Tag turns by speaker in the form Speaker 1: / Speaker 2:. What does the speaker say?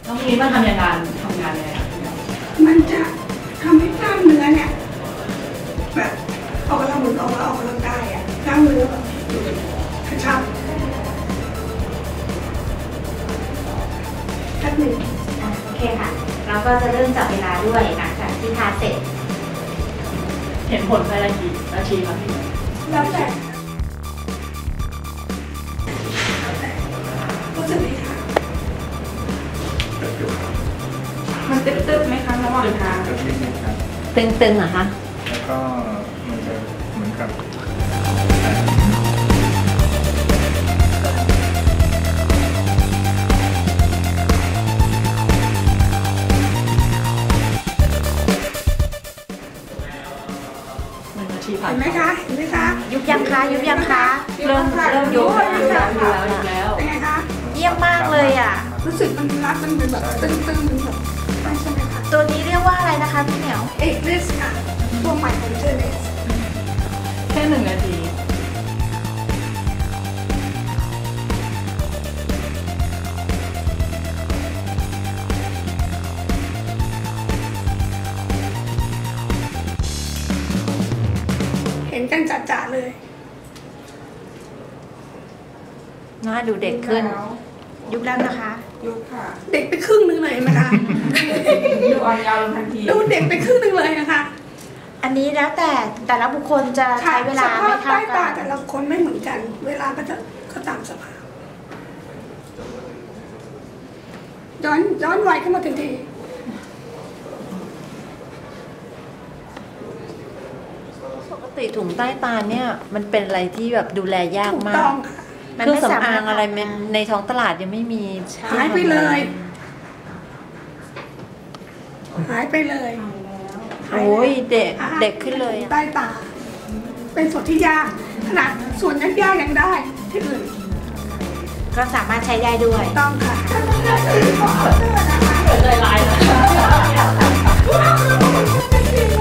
Speaker 1: น้องมีมันทำยังไงยังไง
Speaker 2: มันจะทำให้กล้ามเนื้อเนี่ยแบบออกกำลังออกกำลังกายอ่ะกล้ามเนื้อแบบกระชับแป๊บหนึ่ง
Speaker 3: โอเคค่ะเราก็จะเริ่มจับเวลาด้วยหลังจากที่ทาเสร็จ
Speaker 1: เห็นผลภายในกี่นาทีครับพี่
Speaker 2: แล้วแต่รู้สึกไหมคะมันตึ๊บๆไหมคะระหว่างทาง
Speaker 4: ตึงๆเหรอคะ
Speaker 5: แล้วก็มันจะเหมือนกับ
Speaker 2: เห็นไหมคะเห็นไหมคะ
Speaker 3: ยุบยังคะยุบยังคะ
Speaker 1: เริ่มยุบแล้ว
Speaker 2: เป็นไงคะ
Speaker 3: เยี่ยมมากเลยอ่ะ
Speaker 2: รู้สึกมันรัดมันเป็นแบบตึงๆมันแบบใช่ไหมคะ
Speaker 3: ตัวนี้เรียกว่าอะไรนะคะพี่เหมียว
Speaker 2: เอ็กเลสค่ะตัวใหม่ของเจเลส
Speaker 1: แค่1 นาที
Speaker 2: เห็นกันจัดๆเลย
Speaker 4: น่าดูเด็กขึ้น
Speaker 3: ยุบแล้วนะคะ
Speaker 2: ยุบค่ะเด็กไปครึ่งนึงเลยไหมคะ
Speaker 1: ดูอ่อนยาวทันที
Speaker 2: ดูเด็กไปครึ่งนึงเลยนะคะ
Speaker 3: อันนี้แล้วแต่ละบุคคลจะใช้เวลาไม่เท่ากัน
Speaker 2: ใต้ตาแต่ละคนไม่เหมือนกันเวลาก็ตามสภาพย้อนวัยขึ้นมาทันที
Speaker 4: ปกติถุงใต้ตาเนี่ยมันเป็นอะไรที่แบบดูแลยากมากเครื่องสำอางอะไรในท้องตลาดยังไม่มี
Speaker 2: หายไปเลยหายไปเลย
Speaker 4: โอ้ยเด็กขึ้นเลย
Speaker 2: ใต้ตาเป็นส่วนที่ยากขนาดส่วนยากๆยังได้ที่อื่น
Speaker 3: ก็สามารถใช้ได้ด้วย
Speaker 2: ต้องค่ะ
Speaker 1: ใจร้ายนะ